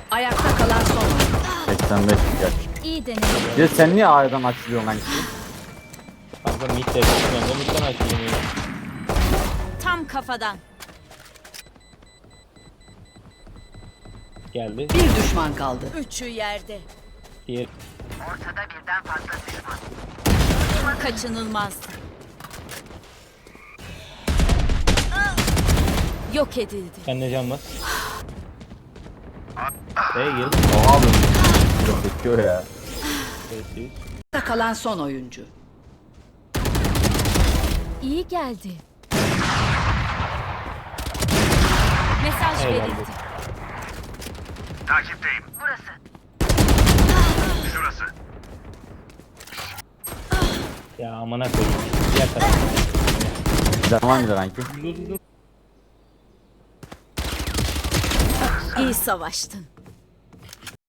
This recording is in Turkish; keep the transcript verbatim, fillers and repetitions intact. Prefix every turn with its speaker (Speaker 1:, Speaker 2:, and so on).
Speaker 1: Ayakta kalan son oyuncu.
Speaker 2: seksen beş gel.
Speaker 1: İyi deneme.
Speaker 2: Ya sen niye A'dan açılıyorsun lan?
Speaker 3: Kanka mid de ben de midden açayım ya.
Speaker 1: Tam kafadan.
Speaker 3: Geldi.
Speaker 4: Bir düşman kaldı.
Speaker 1: Üçü yerde.
Speaker 3: Diğer
Speaker 1: Kaçınılmaz. Yok edildi.
Speaker 3: kendine can bas. Hey gel.
Speaker 2: Oha abi. Yok bekliyor ya.
Speaker 3: Sessiz.
Speaker 4: Ayakta kalan son oyuncu.
Speaker 1: İyi geldi. Mesaj
Speaker 3: Eyvallah.
Speaker 1: verildi.
Speaker 5: Takipteyim. Burası. Şurası.
Speaker 3: Ya amına koyayım. Diğer taraf.
Speaker 2: Zaman gider ranki.
Speaker 3: Dur dur dur.
Speaker 1: İyi savaştın.